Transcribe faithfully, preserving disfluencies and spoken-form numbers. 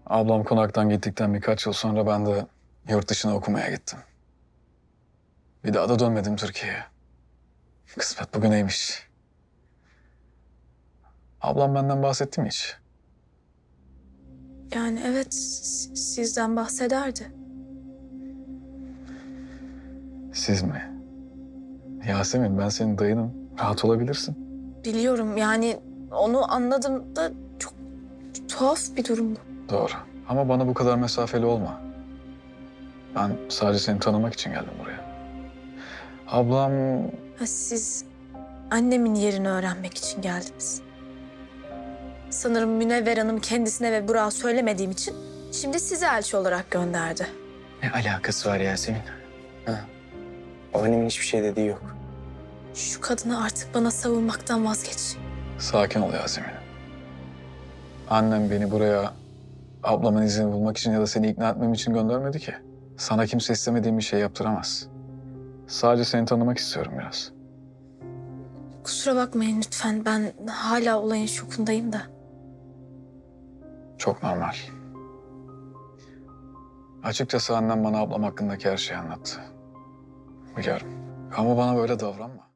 Ablam konaktan gittikten birkaç yıl sonra ben de yurt dışına okumaya gittim. Bir daha da dönmedim Türkiye'ye. Kısmet bugüneymiş. Ablam benden bahsetti mi hiç? Yani evet, s- sizden bahsederdi. Siz mi? Yasemin, ben senin dayınım. Rahat olabilirsin. Biliyorum yani onu anladım da çok tuhaf bir durum bu. Doğru. Ama bana bu kadar mesafeli olma. Ben sadece seni tanımak için geldim buraya. Ablam Ha, siz annemin yerini öğrenmek için geldiniz. Sanırım Münevver Hanım kendisine ve Burak'a söylemediğim için şimdi sizi elçi olarak gönderdi. Ne alakası var Yasemin? Ha. O annemin hiçbir şey dediği yok. Şu kadını artık bana savunmaktan vazgeç. sakin ol Yasemin. Annem beni buraya ablamın izini bulmak için ya da seni ikna etmem için göndermedi ki. Sana kimse istemediğim bir şey yaptıramaz. Sadece seni tanımak istiyorum biraz. Kusura bakmayın lütfen, ben hala olayın şokundayım da. Çok normal. Açıkçası annem bana ablam hakkındaki her şeyi anlattı. Biliyorum. Ama bana böyle davranma.